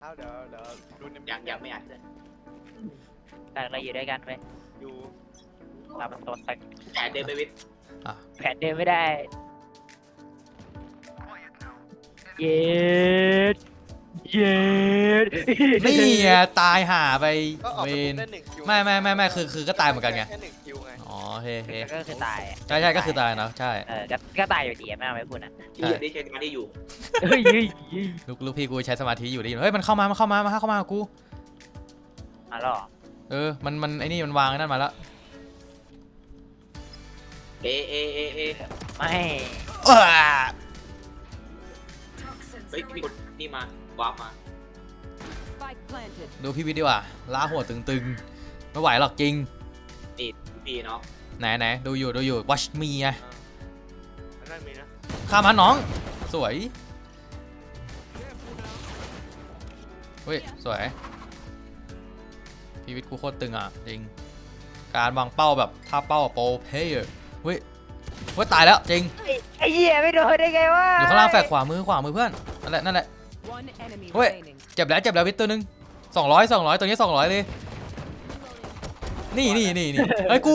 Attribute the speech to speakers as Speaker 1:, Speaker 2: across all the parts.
Speaker 1: เอาเดี๋ยวดูใน
Speaker 2: ยังไม่อัดเลย
Speaker 3: แต่เราอยู่ด้วยกันไหม
Speaker 1: อยู่
Speaker 3: เราเป็นตัวตึง
Speaker 2: แต่เดินไปวิทย์
Speaker 3: แผนเดินไม่ได้เย็ดเย็ด
Speaker 4: นี่ไงตายห่าไป
Speaker 1: ก็ออก
Speaker 4: เว
Speaker 1: ไป
Speaker 4: น
Speaker 1: ได้1 คิว
Speaker 4: ไม่คือก็ตายเหมือนกันไง
Speaker 1: แค่1 คิวไง
Speaker 4: อ๋อโอเค
Speaker 3: ก็คือตาย
Speaker 4: ใช่ก็คือตายเนาะใช่
Speaker 3: ก็ตายอยู่ดีไม่เอาไม่พูดนะ
Speaker 2: ที่อยู่ที่ใช้งานที่อยู่
Speaker 3: เฮ้ย
Speaker 4: ลูกพี่กูใช้สมาธิอยู่ได้ยินเฮ้ยมันเข้ามากู
Speaker 3: มาหรอ
Speaker 4: มันไอ้นี่มันวางไอ้นั่นมาแล้ว
Speaker 2: เอ
Speaker 3: ไม่
Speaker 2: เฮ้ยมีคนนี่มาวาร์ปมา
Speaker 4: ดูพี่วิทย์ดีกว่าล้าหัวตึงๆไม่ไหวหรอกจริง
Speaker 2: นี่พี่เนาะ
Speaker 4: ไหนดูอยู่ watch me ไง
Speaker 1: อันนั่นมีนะ
Speaker 4: ข้ามมาน้องสวยเฮ้ยสวยพี่วิทย์กูโคตรตึงอ่ะจริงการวางเป้าแบบท่าเป้าโปรเพย์เฮ้ยตายแล้วจริง
Speaker 3: ไอ้เหี้ยไม่โดนได้ไงวะ
Speaker 4: อยู่ข้างล่างแฝกขวามือเพื่อนนั่นแหละเฮ้ยเจ็บแล้ววิทย์ตัวนึง200ตัวนี้200เลยนี่เฮ้ยกู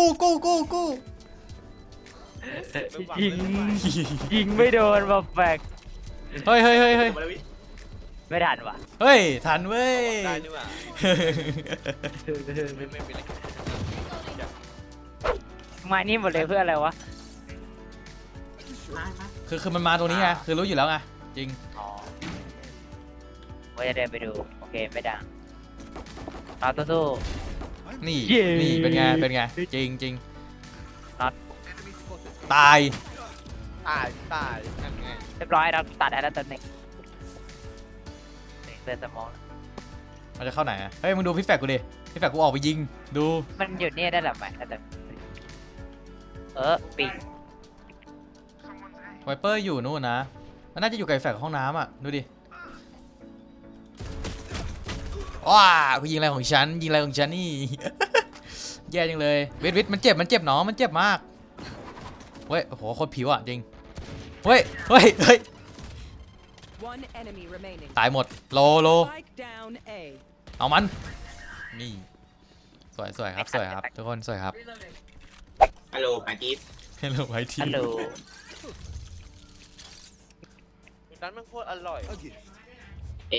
Speaker 3: ยิงไม่โดนแบบแฝก
Speaker 4: เฮ้ย
Speaker 2: มาแล้ววิทย์
Speaker 3: ไม่ทันว่ะ
Speaker 4: เฮ้ยทันเว้ย
Speaker 1: ได้นี่หว่าไม่มีอะไร
Speaker 3: มานี่หมดเลยเพื่ออะไรวะ
Speaker 2: มา
Speaker 4: คือมันมาตรงนี้ไงคือรู้อยู่แล้วไงจริง
Speaker 3: อ๋อว่าจะเดินไปดูโอเคไม่ดังเอาสู้
Speaker 4: นี่
Speaker 3: เย้
Speaker 4: นี่เป็นไงจริง
Speaker 3: น็อต
Speaker 4: ตาย
Speaker 1: ตายนั่นไง
Speaker 3: เรียบร้อยเราตัดแล้วตัวหนึ่งเดินสมอง
Speaker 4: มันจะเข้าไหนอะเฮ้ยมึงดูพี่แฟกกูดิพี่แฟกกูออกไปยิงดู
Speaker 3: มันหยุดนี่ได้หรือไม่แต่ปิง
Speaker 4: ไวเปอร์อยู่นู่นนะมันน่าจะอยู่กับไอ้แฟกห้องน้ำอ่ะดูดิว้ากูยิงอะไรของฉันนี่ แย่จังเลยวิทมันเจ็บน้องมันเจ็บมากเฮ้ยโอ้โหโคตรผิวอ่ะจริงเฮ้ยตายหมดโลเอามันนี่สวยครับทุกคนสวยครับ
Speaker 2: ฮัลโหลมาจีบ
Speaker 4: เฮลโลไวที
Speaker 3: ฮัลโหล
Speaker 1: ร้านมันโคตรอร่อย
Speaker 2: เอ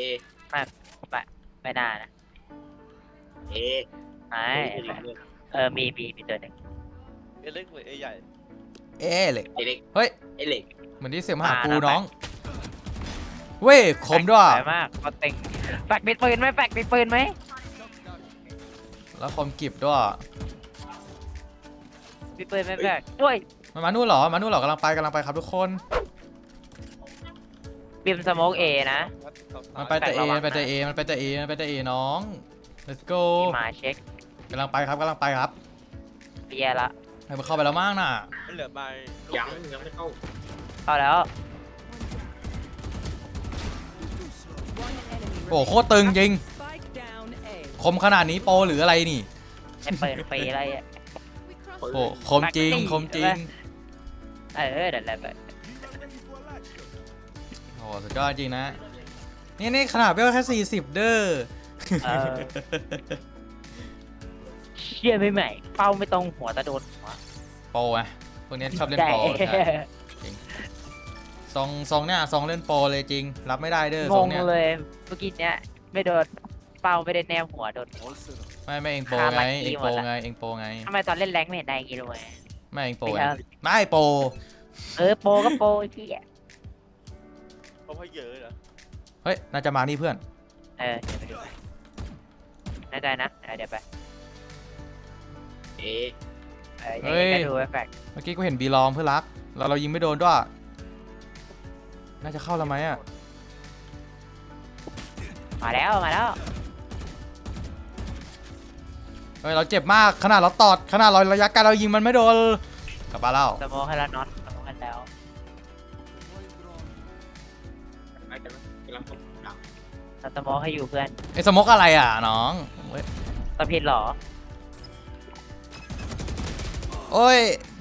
Speaker 3: ไม่น่านะ
Speaker 2: เอ
Speaker 3: ไม่มีตัวหนึ่ง
Speaker 1: เล็กหรือใหญ่
Speaker 4: เหล็ก
Speaker 2: เอเล็ก
Speaker 4: เฮ้ย
Speaker 2: เอเล็ก
Speaker 4: เหมือนที่เสียงมาหากูน้องเว้ยคมด้วย
Speaker 3: สวยมากก็เต็งแฟกมีปืนไหม
Speaker 4: แล้วคมกิบด้วย
Speaker 3: มีปืนไหมแฟกด้วย
Speaker 4: มันมานู่นเหรอกำลังไปครับทุกคน
Speaker 3: บิมสโมกเอนะ
Speaker 4: มันไปแต่เอน้อง let's go
Speaker 3: มาเช็ค
Speaker 4: กำลังไปครับ
Speaker 3: เบียร์ละ
Speaker 4: ให้มันเข้าไปแล้วมั้งน่ะ
Speaker 1: มันเหลือใบ
Speaker 2: ยังไม่เข้า
Speaker 3: เข้าแล้ว
Speaker 4: โอ้โคตรตึงจริงคมขนาดนี้โปรหรืออะไรนี่
Speaker 3: ไอ้เปิดฟรีอะไรอ่ะ
Speaker 4: โอ้คมจริง
Speaker 3: เดี๋ยวอะไรไป
Speaker 4: โอ้สุดยอดจริงนะนี่ขนาดเวลแค่40เด้อ
Speaker 3: เชี่ยไม่ใหม่เป้าไม่ตรงหัวตะโดนหัว
Speaker 4: โปรไงพวกนี้ชอบเล่นโปรใช่จริงซองเนี่ยซองเล่นโปรเลยจริงรับไม่ได้เด้อง ซอง
Speaker 3: ง
Speaker 4: เนี่ย
Speaker 3: เลยเมื่อกี้เนี้ยไม่โดนเป้าไม่ได้แนวหัวโดนหัว
Speaker 4: ไม่เองโปรไงเองโปรไง
Speaker 3: ทำไมตอนเล่นแรงไม่เห็นได้อย่างงี้เลย
Speaker 4: ไม่เองโปรไงไม่โปร
Speaker 3: โปก็โปไอ้พี่อ่ะ
Speaker 1: เพราะเยอะเหรอ
Speaker 4: เฮ้ยน่าจะมานี่เพื่อน
Speaker 3: เดี๋ยวไปดูแน่ใจนะเดี๋ยวไป
Speaker 2: เอ
Speaker 3: ยังไงก็ดูแฟก
Speaker 4: เมื่อกี้กูเห็นบีลองเพื่อนรักเรายิงไม่โดนด้วยน่าจะเข้าแล้วไหมอ่ะ
Speaker 3: มาแล้ว
Speaker 4: เฮ้ยเราเจ็บมากขนาดเราตอดขนาดเราระยะไกลเรายิงมันไม่โดนกลับมาแล้ว
Speaker 3: สโมองให้แล้วน็อตสโมองให้แล้ว
Speaker 2: ไม่กันกำลังตกหนัก
Speaker 3: สโมองให้อยู่เพื่อน
Speaker 4: ไอ้สมกอะไรอ่ะน้องเว้ย
Speaker 3: ตะพิดหรอ
Speaker 4: โอ้ย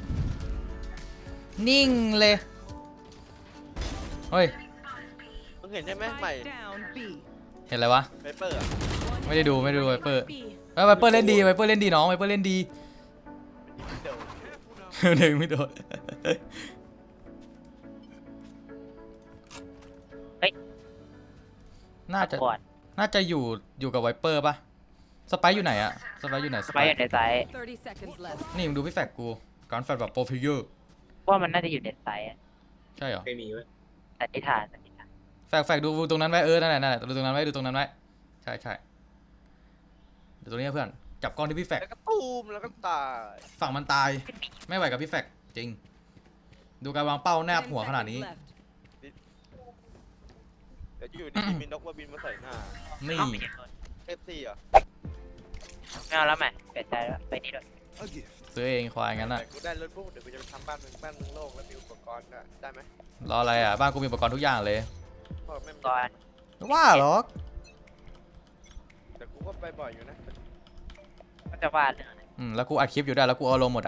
Speaker 4: นิ่งเลยเฮ้ย
Speaker 1: มึงเห็นใช่ไหมใหม่
Speaker 4: เห็นอะไรวะ
Speaker 1: ไวเปอร์อะ
Speaker 4: ไม่ได้ดูไวเปอร์ไวเปอร์เล่นดีไวเปอร์เล่นดีน้องไวเปอร์เล่นดี
Speaker 1: เดี๋ยว
Speaker 4: หนึ่งไม่โดนน่าจะ
Speaker 3: ก่อน
Speaker 4: น่าจะอยู่กับไวเปอร์ปะสไปซ์อยู่ไหนอะสไปซ์อยู่ไหน
Speaker 3: สไปอยู่ในไซส์
Speaker 5: 30 seconds left.
Speaker 4: นี่มึงดูพี่แฟกกูการแฟกแบบโปรฟิเยอร์
Speaker 3: ว่ามันน่าจะอยู่ในไซส์อะ
Speaker 4: ใช่เหรอ
Speaker 2: ไม่มีเว้ย
Speaker 3: สันนิษฐาน
Speaker 4: แฟกดูตรงนั้นไว้นั่นแหละดูตรงนั้นไว้ดูตรงนั้นไว้ใช่เดี๋ยวตรงนี้เพื่อนจับกล้องที่พี่แฟก
Speaker 1: แล้วก็ตูมแล้วก็ตาย
Speaker 4: ฝั่งมันตายไม่ไหวกับพี่แฟกจริง ดูการวางเป้าแนบ
Speaker 5: 10
Speaker 4: หัวขนาดนี้
Speaker 5: seconds left.
Speaker 1: เดี๋ยวอยู่ดีๆมีนกมาบินมาใส่หน้า
Speaker 4: นี่
Speaker 1: FC เหรอ
Speaker 3: ไม่เอาแล้วแม่เปลี่ยนใจแล้วไปนี่ด้วย
Speaker 4: ซื้อเองควายงั้นอะ
Speaker 1: แต่กูได้รถปุ๊บเดี๋ยวกูจะไปทำบ้านมึงโลกแล้วมีอุปกรณ์ด้วยได้ไหม
Speaker 4: รออะไรอะบ้านกูมีอุปกรณ์ทุกอย่างเลย
Speaker 1: พ่อแม่ง
Speaker 3: ก่อน
Speaker 4: ว่าหรอก
Speaker 1: แต่กูก็ไปบ่อยอยู่นะ
Speaker 3: ก็จะวาดเรื่องอะไร
Speaker 4: แล้วกูอัดคลิปอยู่ได้วยแล้วกูเอาลงหมดอะ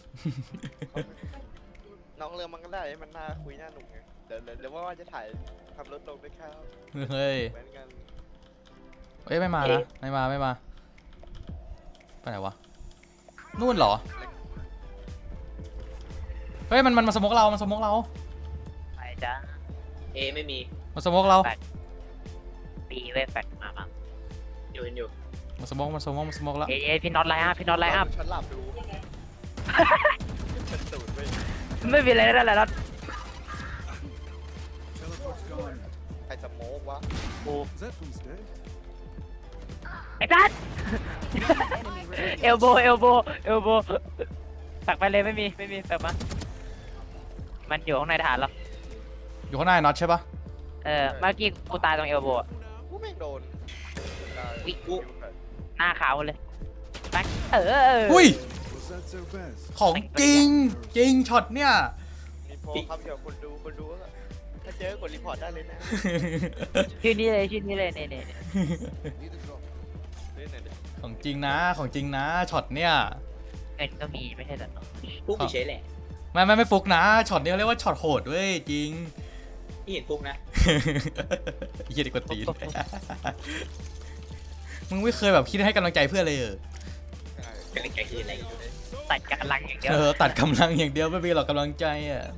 Speaker 1: น้องเรือมันก็ได้มันน่าคุยน่าหนุกไงเดี๋ยวว่าจะถ่ายทำรถลงด้วยข้าว
Speaker 4: เฮ้ย
Speaker 1: เหมือนกัน
Speaker 4: เอ้ยไม่มานะไม่มาไปไหนวะนู่นเหรอเฮ้ยมันมาสโมกเรา
Speaker 3: ไปจ้า
Speaker 2: เอไม่มี
Speaker 4: มาสโมกเรา
Speaker 3: ปีเว้ยแฟกมาบ้าง
Speaker 2: อยู่
Speaker 4: มาสโมกแล้ว
Speaker 3: เอ้ยพี่น็อตไลน์อัพพี่น็อตไลน์อัพ
Speaker 1: ฉันหลับดูฉันสูดไป
Speaker 3: ไม่มีอะไรแล้วแหละน็อต
Speaker 1: ใครสโมกวะ
Speaker 3: กูไอ้จัด
Speaker 5: Enemy remaining.
Speaker 3: เอลโบตักไปเลยไม่มีตักมามันอยู่ข้างในฐานหรอ
Speaker 4: อยู่ข้างหน้าน็อตใช่ปะ
Speaker 3: เมื่อกี้กูตายตรงเอลโบ
Speaker 1: กูแม่งโดน
Speaker 3: วิหน้าขาวเลยแบ็ค
Speaker 4: อุ้ย
Speaker 6: Was that so bad?
Speaker 4: ของจริงช็อตเนี่ย
Speaker 1: มีโพลครับเดี๋ยวคนดูก็ถ้าเจอกดรีพอร์ตได้เลยนะ
Speaker 3: ชื่อนี้เลยเนี่ย
Speaker 1: เล่นไหนดิ
Speaker 4: ของจริงนะช็อตเนี่ย
Speaker 3: เงินก็มีไม่ใช่เหรอ
Speaker 2: ฟุกเฉยๆแหละ
Speaker 4: ไม่ฟุกนะช็อตนี้เรียกว่าช็อตโหดเว้ยจริง
Speaker 2: นี่เห็นฟุกนะ
Speaker 4: เหี้ยเด็กกว่าตีน มึงไม่เคยแบบคิดให้กำลังใจเพื่อนเลยเหรอ
Speaker 2: กำลังใจคืออะไร
Speaker 3: ตัดกำลังอย่างเดียว
Speaker 4: ตัดกำลังอย่างเดียวไม่มีหรอกกำลังใจอ่ะ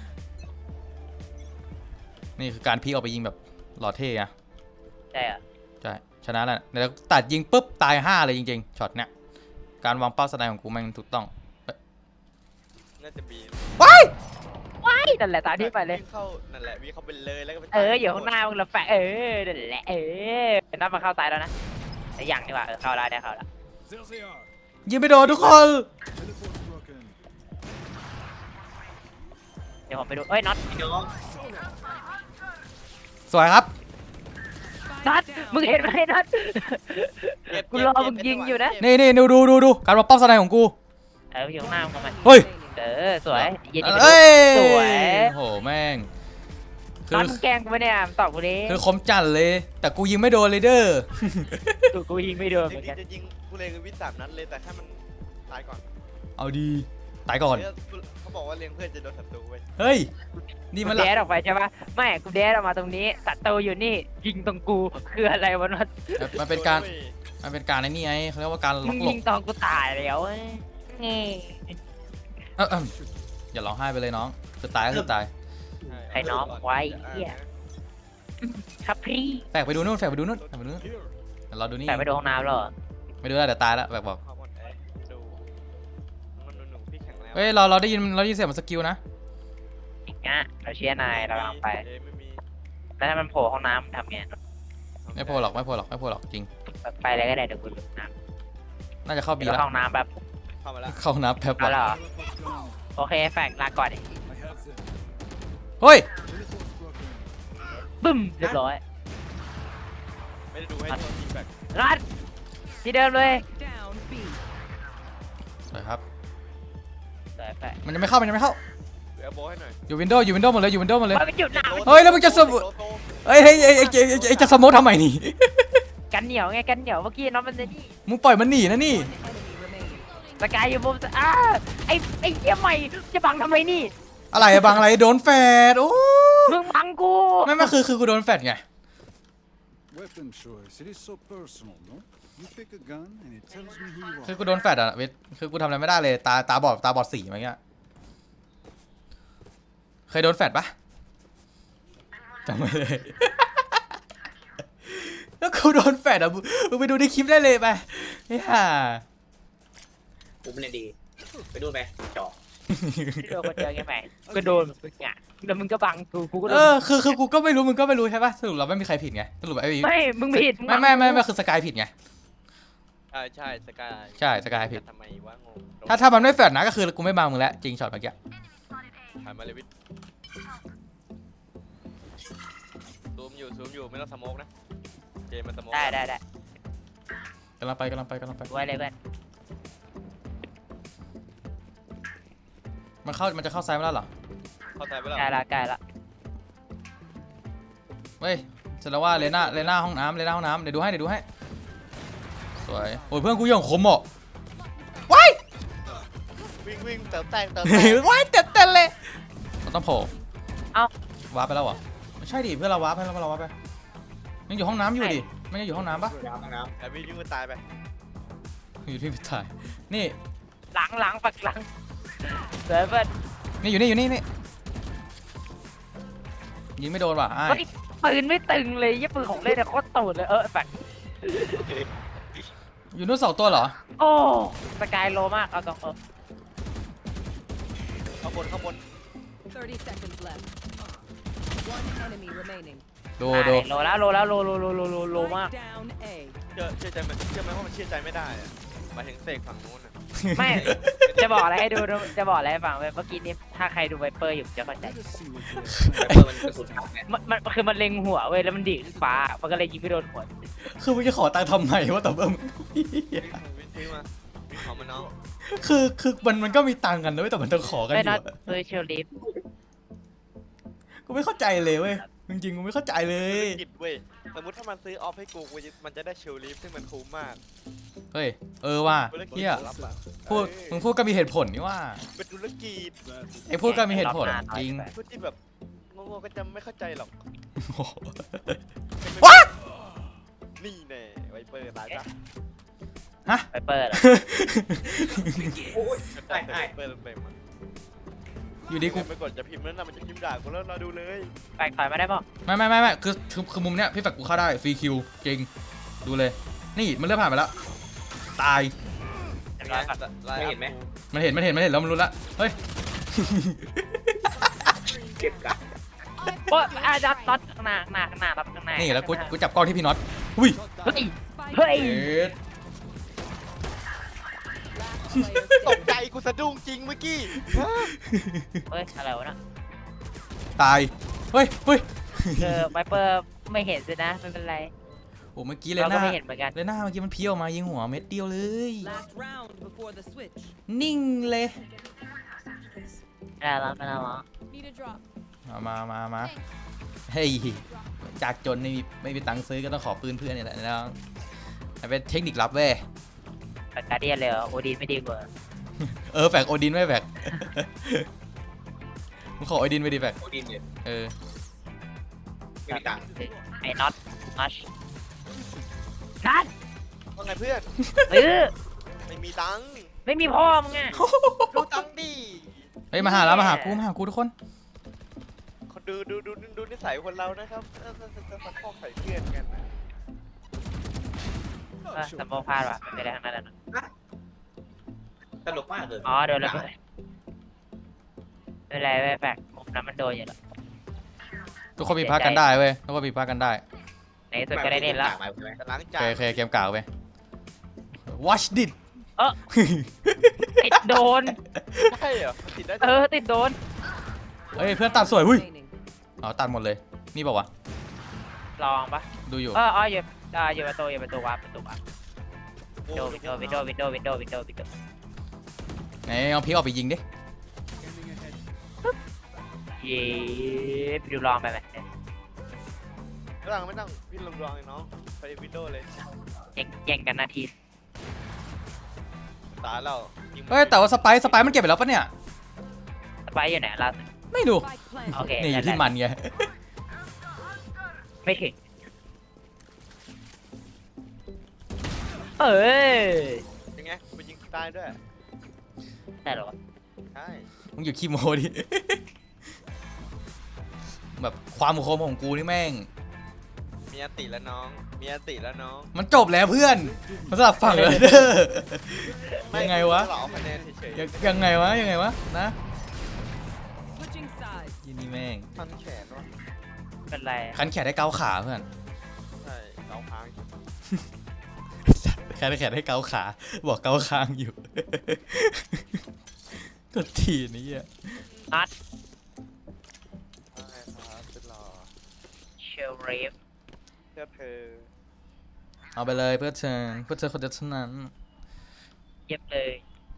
Speaker 4: นี่คือการพีคออกไปยิงแบบหล่อเท่อะ
Speaker 3: ใช่เหรอ
Speaker 4: ใช่ชนะแล้วแล้วตัดยิงปุ๊บตาย5เลยจริงๆช็อตเนี้ยการวางเป้าสไนด์ของกูแม่งถูกต้อง
Speaker 1: น่าจะบี
Speaker 4: ว้าย
Speaker 3: นั่นแหละตามที่ไปเลย
Speaker 1: วิ่งเข้านั่นแหละวิ่งเข้าไปเลยแล้วก็ไป
Speaker 3: อยู่ข้างหน้ามึงละแฟนั่นแหละนับมาเข้าซ้ายแล้วนะแต่อย่างดีกว่าเข้าได้แล้ว
Speaker 6: There they are.
Speaker 4: ยิงไปโดนทุกคน
Speaker 6: Teleport's broken.
Speaker 3: เดี๋ยวผมไปดูเอ้ยน็อต
Speaker 2: พี่น้อง
Speaker 4: สวยครับ
Speaker 3: น็อตมึงเห็นไหมน็อตกูรอมึงยิงอยู่นะ
Speaker 4: นี่ดูการวางเป้าสไนด์ของกู
Speaker 3: อยู่ข้างหน้ามึงทำไม
Speaker 4: เฮ้ย
Speaker 3: สวยยินดี
Speaker 4: เอ้ย
Speaker 3: สวย
Speaker 4: โหแม่งคื
Speaker 3: น็อ
Speaker 4: อ
Speaker 3: ตแกล้งกูไม่เนี่ยตอบกูดิ
Speaker 4: คือคมจัดเลย แต่กูยิงไม่โดนเลยเด้อ
Speaker 3: กูยิงไม่โดนเหมือนกัน
Speaker 1: จะยิงกูเลยคือวิทย์3 นัดเลยแต่แค่มันตายก่อน
Speaker 4: เอาดีตายก่อน
Speaker 1: เขาบอกว่าเลี้ยงเพื่อนจะโดนศัตรูเว้ย
Speaker 4: เฮ้ยนี่
Speaker 3: กู
Speaker 4: มัน
Speaker 3: เดสออกไปใช่ปะไม่กูเดสออกมาตรงนี้ศัตรูอยู่นี่ยิงตรงกูคืออะไรวะน็อต
Speaker 4: มันเป็นการไอ้นี่ไงเขาเรียกว่าการล็
Speaker 3: มึ
Speaker 4: อก
Speaker 3: ง
Speaker 4: หล
Speaker 3: ยิ
Speaker 4: บ
Speaker 3: งตอนกูตายแล้วนี่
Speaker 4: อย่าร้องไห้ไปเลยน้องจะตายก็คือตาย
Speaker 3: ไอ้น้องไว้เหี้ยครับพี่
Speaker 4: แฝกไปดูนู่น
Speaker 6: Here.
Speaker 4: เดี๋ยวเราดูนี่
Speaker 3: แต่ไปดูห้องน้ำแล้วเหรอ
Speaker 4: ไม่ดูแล้วเดี๋ยวตายแล้วแฝกบอก
Speaker 1: ความอ่อนแอดูมันหนุ่มพี่แข็งแรง
Speaker 4: เฮ้ยเราได้ยินเสียงมันสกิลนะ
Speaker 3: อีกนะเราเชียร์นายเรากำลังไป
Speaker 1: ไม่มี
Speaker 3: แล้วถ้ามันโผล่ห้องน้ำทำไง
Speaker 4: ไม่โผล่หรอกจริง
Speaker 3: ไปเลยก็ได้เดี๋ยวกูดูน้
Speaker 4: น่าจะเข้า
Speaker 3: ำ
Speaker 4: บี
Speaker 3: เดี๋ยว
Speaker 4: แล้ว
Speaker 3: เข้าห้องน้ำแบบ
Speaker 1: เข้ามาแล้ว
Speaker 4: เข้านับแป๊บ
Speaker 3: เอาแล้วเหรอ
Speaker 6: Teleport's gone.
Speaker 3: โอเคแฟกลาก่อน
Speaker 6: I have them.
Speaker 4: เฮ้ย
Speaker 6: Teleport's broken.
Speaker 3: บึ้มเรียบร้อย
Speaker 1: ไม่ได้ดูให้ตัวทีมแบก
Speaker 3: รัดที่เดิมเลย
Speaker 5: Down B.
Speaker 4: สวยครับ
Speaker 3: สวยแฟก
Speaker 4: มันยังไม่เข้า
Speaker 1: เหลือโบให้หน่อย
Speaker 4: อยู่วินโดว์หมดเลย
Speaker 3: มันหยุดหนาว
Speaker 4: เฮ้ยแล้วมึงจะเฮ้ยจะสโมกทำไมนี่
Speaker 3: กันเหนียวไงกันเหนียวเมื่อกี้น้องมันนี่
Speaker 4: มึงปล่อยมันหนีนะนี่
Speaker 5: Enemy remaining.
Speaker 3: สกายอยู่มุมไอ้เหี้ยใหม่จะบังทำไมนี่
Speaker 4: อะไรอะบางอะไรโดนแฟดโอ้
Speaker 3: มึงบังกู
Speaker 4: ไม่คือกูโดนแฟดไง
Speaker 6: Weapon choice. It is so personal, no? You pick a gun and it tells me who you
Speaker 4: คือ
Speaker 6: are.
Speaker 4: กูโดนแฟดอะเวทคือกูทำอะไรไม่ได้เลยตาบอดสีอะไรเงี้ยเคยโดนแฟดปะจำไม่เลย แล้วกูโดนแฟดอะมึงไปดูในคลิปได้เลยไปเฮ้ยฮ่า
Speaker 2: กูไม่เล่นดี ไปดูไปจอก
Speaker 3: โดนคนเดียวไงแม่ก็โดนมึงอ่ะแล้วมึงก็บังกูก็โด
Speaker 4: เอน อคือกูก็ไม่รู้มึงก็ไม่รู้ใช่ปะสรุปเราไม่มีใครผิดไงสรุปไอ้
Speaker 3: ไม่มึงผิด
Speaker 4: ไม่คือสกายผิดไง
Speaker 1: ใช่สกาย
Speaker 4: ใช่สกายผิด
Speaker 1: ทำไมวะงง
Speaker 4: ถ้ามันไม่แฟดนะก็คือกูไม่บังมึงแล้วจริงช็อตเมื่อกี้
Speaker 1: ถ่ายมาเลยวิทซูมอยู่ไม่ต้องสโมกนะเจมันสโมก
Speaker 3: ได้
Speaker 4: กำลังไป
Speaker 3: ไว้เลยเพื่อน
Speaker 4: มันจะเข้าซ้ายมาแล้วเหรอ
Speaker 1: เข้าใจไปแล้ว
Speaker 3: ใกล้ละ
Speaker 4: เฮ้ยแสดงว่าเลน่าห้องน้ำเดี๋ยวดูให้สวยโอ้ยเพื่อนกูยังคมอ่ะว้าย
Speaker 1: วิ่งเติมแตง
Speaker 4: ว้ายเต็มเลยมันต้องโผล่วาร์ปไปแล้วเหรอไม่ใช่ดิเพื่อนเราวาร์ปไปยังอยู่ห้องน้ำอยู่ดิมันยังอยู่ห้องน้ำปะ
Speaker 2: น้ำ
Speaker 1: แต่วิ่งมันตายไป
Speaker 4: อยู่ที่พิถ่ายนี่
Speaker 3: หลังปักหลังเดี๋ยวเพื่อน
Speaker 4: นี่อยู่นี่ยิงไม่โดนว่ะไอ้
Speaker 3: ปืนไม่ตึงเลยยี่ปืนของเล่นเนี่ยโคตรตูดเลยแฟก
Speaker 4: อยู่นู่น2 ตัวเหรอ
Speaker 3: โอ้สกายโลมากเอาตรง
Speaker 1: ข้างบน
Speaker 5: 30 seconds left. One enemy remaining.
Speaker 4: ดู
Speaker 3: โลมาก
Speaker 5: Strike down A.
Speaker 1: เชื่อไหมว่ามันเชื่อใจไม่ได้อะหมายถึงเสกฝั่งนู้น
Speaker 3: ไม่จะบอกอะไรให้ดูจะบอกอะไรให้ฟังเมื่อกี้นี้ถ้าใครดูไวเปอร์อยู่จะเข้าใจ
Speaker 6: Let us see what you
Speaker 2: ไปเปิดมันกระสุนถังไง
Speaker 3: มันคือมันเล็งหัวเว้ยแล้วมันดีดขึ้นฟ้ามันก็เลยยิงไม่โดนหัว
Speaker 4: คือมึงจะขอตังค์ทำไมวะแต่เบิ้ม
Speaker 1: วิ่งซื้อมาวิ่งของมันน้อง
Speaker 4: คือมันก็มีตังค์กันนะเว้ยแต่มันต้องขอกันอ
Speaker 3: ไม่
Speaker 4: ยู่
Speaker 3: นัด
Speaker 4: อะ
Speaker 3: เลยเชลลิฟ
Speaker 4: กูไม่เข้าใจเลยเว้ยจริงๆกูไม่เข้าใจเลย
Speaker 1: กิดเว้ยสมมติถ้ามันซื้อออฟให้กูมันจะได้เชลลีฟซึ่งมันคุ้มมาก
Speaker 4: เฮ้ยว่ะ
Speaker 1: ธุรกิจ
Speaker 4: เฮีย
Speaker 1: รับอะ
Speaker 4: มึงพูดก็มีเหตุผลนี่ว่า
Speaker 1: เป็นธุรกิจ
Speaker 4: ไอ้พูดก็มีเหตุผลจริง
Speaker 1: พูดที่แบบงงๆก็จะไม่เข้าใจหรอก
Speaker 4: โอ้โห
Speaker 1: นี่แน่ไวเปอร์ร้ายจ้ะ
Speaker 3: ไวเปอร์
Speaker 2: โอ้ย
Speaker 1: ไวเปอร์เต็มๆอะ
Speaker 4: อยู่ดีกู
Speaker 1: ไปกดจะพิมพ์แล้วนะมันจะพิมพ์ด่ากูแล้วเราดูเลย
Speaker 3: แปลกถอยมาได้ป่ะ
Speaker 4: ไม่คือมุมเนี้ยพี่แฟกกูเข้าได้ฟรีคิวจริงดูเลย นี่มันเริ่มผ่านไปแล้วตาย
Speaker 2: ไม่เห็นไหม
Speaker 4: มันเห็นแล้วมันรู้ละเฮ้ย
Speaker 2: เก็บกัน
Speaker 3: โอ้จัดรับข้างหน้ารับข้างหน้า
Speaker 4: นี่แล้วกูจับกล้องที่พี่น็อตอุ้ย
Speaker 3: เฮ้ย
Speaker 5: Spike
Speaker 3: เฮ้ย
Speaker 4: เอ็ด
Speaker 5: Last player
Speaker 1: ตก
Speaker 5: standing.
Speaker 1: ใจกูสะดุ้งจริงเมื่อกี้
Speaker 3: เฮ้ยอะไรวะน่ะ
Speaker 4: ตายเฮ้ย
Speaker 3: ไวเปอร์ไม่เห็นสินะไม่เป็นไร
Speaker 4: โอ้เมื่อกี้เลย
Speaker 3: เรา
Speaker 4: ห
Speaker 3: ก็
Speaker 4: น้า
Speaker 3: ไม่เห็นเหมือนกัน
Speaker 4: เลยหน้าเมื่อกี้มันเพี้ยวออกมายิงหัวเม็ดเดียวเลย
Speaker 5: Last round before the switch.
Speaker 4: นิ่งเลย
Speaker 3: ไม่ได้แล้ว
Speaker 5: Need a drop.
Speaker 4: มาเฮ้ยจากจนไม่มีตังค์ซื้อก็ต้องขอปืนเพื่อนนี่แหละนะมันเป็นเทคนิคลับเว้ย
Speaker 3: แต่การเดียนเลยโอดีนไม่ดีกว่า
Speaker 4: แฝกโอดินไว้แฝก มึงขอโอดินไปดิแฝก
Speaker 2: โอดินเนี่ยไม่มีตังค์
Speaker 3: ไอ้น็อตนัด
Speaker 1: ว่าไงเพื่อน ไม่มีตังค์
Speaker 3: ไม่มีพ่อมึงไง
Speaker 1: ดูตังค์ดิ
Speaker 4: เฮ้ยมาหากูทุกคน
Speaker 1: คนดูนิสัยคนเรานะครับจะสักข้อใส่เพื่อนกันนะ
Speaker 3: สมองพลาดว่ะไม่ได้ทั้งนั้นนะ
Speaker 2: ตลกมากเลย
Speaker 3: อ๋อโดนแล้วไม่เป็นไรไม่แปลกมุมนั้นมันโดนอยู่แล้ว
Speaker 4: ทุกคนมีพักกันได้เว้ยทุกคนมีพักกันได้
Speaker 3: ในสุดก็ได้เล่นแล้ว
Speaker 1: แต่ล้าง
Speaker 4: โอ
Speaker 1: จาน
Speaker 4: เคเกมกล่าวไป watch this
Speaker 3: ติดโดน
Speaker 1: ใช่เหรอมันติดได้
Speaker 3: ติดโดน
Speaker 4: เฮ้ยเพื่อนตัดสวยหุ้ย
Speaker 5: Remaining.
Speaker 4: เอาตัดหมดเลยนี่บอกว่าว
Speaker 3: ลองปะ
Speaker 4: ะดูอยู่
Speaker 3: อยู่ประตูวาร์ปวินโดว์
Speaker 4: ไหนเอาพีออกไปยิงดิ
Speaker 6: Scanning ahead.
Speaker 3: เย้ไปดูลองไปไหม
Speaker 1: ไม่ต้องพี่ลองเลยน้องไปวินโดว์เลย
Speaker 3: แย่งกันนาที
Speaker 1: ตาเรา
Speaker 4: เฮ้ยแต่ว่าสไปซ์มันเก็บไปแล้วปะเนี่ย
Speaker 3: สไปอยู่ไหนล่ะ
Speaker 4: ไม่ดู
Speaker 5: Spike planted.
Speaker 3: โอเค
Speaker 4: นี่อยู่ที่มันไง
Speaker 3: ไม่ถึงเอ้ย
Speaker 1: ยังไงไปยิงตายด้วย
Speaker 3: ใช่เหรอวะ
Speaker 1: ใช่
Speaker 4: มึงอยู่ขี้โมดิ แบบความคมของกูนี่แม่ง
Speaker 1: มีอันติแล้วน้องมีอันติแล้วน้อง
Speaker 4: มันจบแล้วเพื่อนมันสลับฝั่งเลยเด้อยังไงวะ
Speaker 1: เราเอาคะแนนเฉย
Speaker 4: ยังไงวะยังไงวะนะ
Speaker 5: Switching sides.
Speaker 4: ยี่นี่แม่ง
Speaker 1: ๆพันแขนวะ
Speaker 3: เป็นไร
Speaker 4: คันแขนได้เกาขาเพื่อน
Speaker 1: ใช่เราพัง
Speaker 4: คันแขนได้เกาขา บอกเกาคางอยู่ ก็ทีนี้อ่ะ
Speaker 3: นัด
Speaker 1: ใช่ครับเป็นรอ
Speaker 3: เชลรีฟ
Speaker 1: เพื่อเธอ
Speaker 4: เอาไปเลยเพื่อเธอคนเดียวเท่านั้น
Speaker 3: เย็บเลย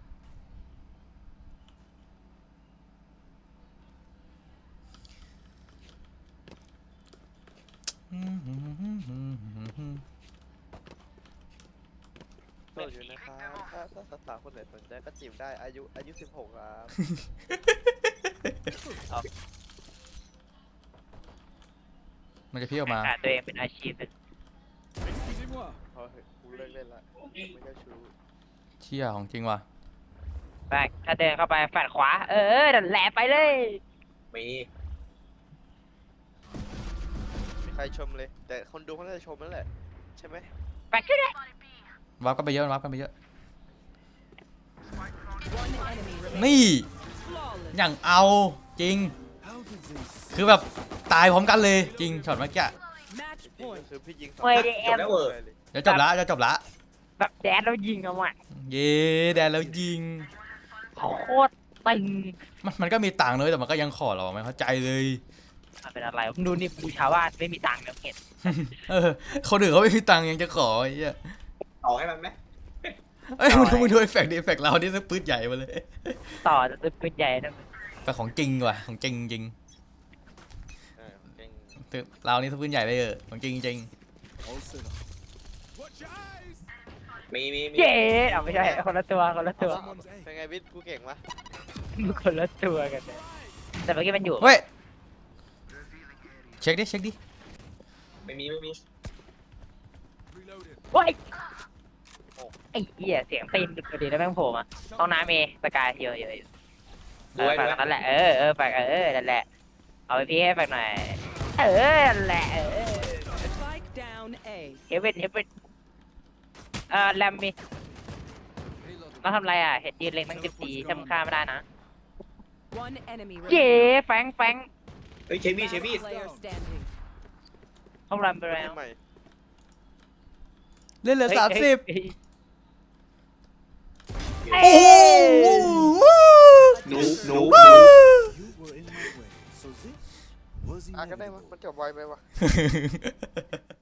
Speaker 1: โสดอยู่นะครับถ้าสาวๆคนไหนสนใจก็จีบได้อายุ16ครับ
Speaker 4: มันจะพี่ออกมา
Speaker 3: หาตัวเองเป็นอาชีพ
Speaker 6: Excusez-moi.
Speaker 1: พอเถอะกูเลิกเล่นละไม่เจ้าชู้
Speaker 4: เชี่ยของจริงว่ะ
Speaker 3: แบกถ้าเดินเข้าไปแฟดขวา นั่นแหละไปเลย
Speaker 2: มี
Speaker 1: มีใครชมเลย แต่คนดูเขาน่าจะชมนั่นแหละใช่ไหม
Speaker 3: แบกขึ้นเลย
Speaker 4: วับกันไปเยอะวับกันไปเยอะ
Speaker 5: One enemy remaining.
Speaker 4: นี่
Speaker 5: Flawless.
Speaker 4: อย่างเอาจริง
Speaker 6: How did they
Speaker 4: คือแบบตายพร้อมกันเลยจริงช็อตเมื่อกี้
Speaker 5: Match
Speaker 1: จริง
Speaker 5: point.
Speaker 1: ๆคือพี่ยิงสอง
Speaker 3: เว้ยดิแอม
Speaker 2: จบแล้วเวอร์
Speaker 1: เลย
Speaker 4: จะจบละจะจบละ
Speaker 3: แบบแดดแล้วยิงเอาอ่ะ
Speaker 4: เย้แดนแล้วยิง
Speaker 3: โคตรตึง
Speaker 4: มันก็มีตังค์เลยแต่มันก็ยังขอเราไม่เข้าใจเลย
Speaker 3: มันเป็นอะไรมึงดูนี่บูชาวาสไม่มีตังค์แล้วเห็น
Speaker 4: เออคนอื่นเขาไม่มีตังค์ยังจะขอไอ้เหี้ย
Speaker 2: ต่อให้มันไหม
Speaker 4: เอ้ยมึงดูเอฟเฟกต์ดิเอฟเฟกต์เรานี่สักปืนใหญ่มาเลย
Speaker 3: ต่อจะเป็นปืนใหญ่นะ
Speaker 4: แต่ของจริงว่ะของจริงจริง
Speaker 1: เก่ง
Speaker 4: เรานี่สักปืนใหญ่เลยของจริงจริง
Speaker 6: all set up? Watch your eyes.
Speaker 2: มี
Speaker 3: เย้เอาไม่ใช่คนละตัวคนละตัว
Speaker 6: Someone's A.
Speaker 1: เป็นไงวิทย์กูเก่งปะ
Speaker 3: คนละตัวกันเลยแต่เมื่อกี้มันอยู่
Speaker 4: เฮ้ยเช็คดิเช็คดิ
Speaker 2: ไม่มี
Speaker 6: Reloaded.
Speaker 3: โอ้ยไอ้เหี้ยเสียงตีนดุดีแล้วแม่งโผล่มาห้องน้ำเมสกายเยอะฝากนั่นแหละฝากนั่นแหละเอาไปพี่ให้ฝากหน่อยนั่นแหละ
Speaker 5: Spike down A.
Speaker 3: เฮเว่นแรมมีต้องทำไรอ่ะเห็นยืนเล็งตั้ง14ทำค่าไม่ได้นะ
Speaker 5: One enemy
Speaker 3: เย้
Speaker 5: remaining.
Speaker 3: แฟง
Speaker 2: เฮ้ยเชมี่
Speaker 5: Last player standing.
Speaker 3: ห้องแรมไปแล้ว
Speaker 1: ใหม่
Speaker 4: เล่นเหลือ30
Speaker 3: เอ้
Speaker 4: โอ้โห
Speaker 2: หนู
Speaker 6: You were in my way. So this was
Speaker 1: อ่ะก็ได้มั้ย
Speaker 6: inevitable.
Speaker 1: มันจบไวไปวะ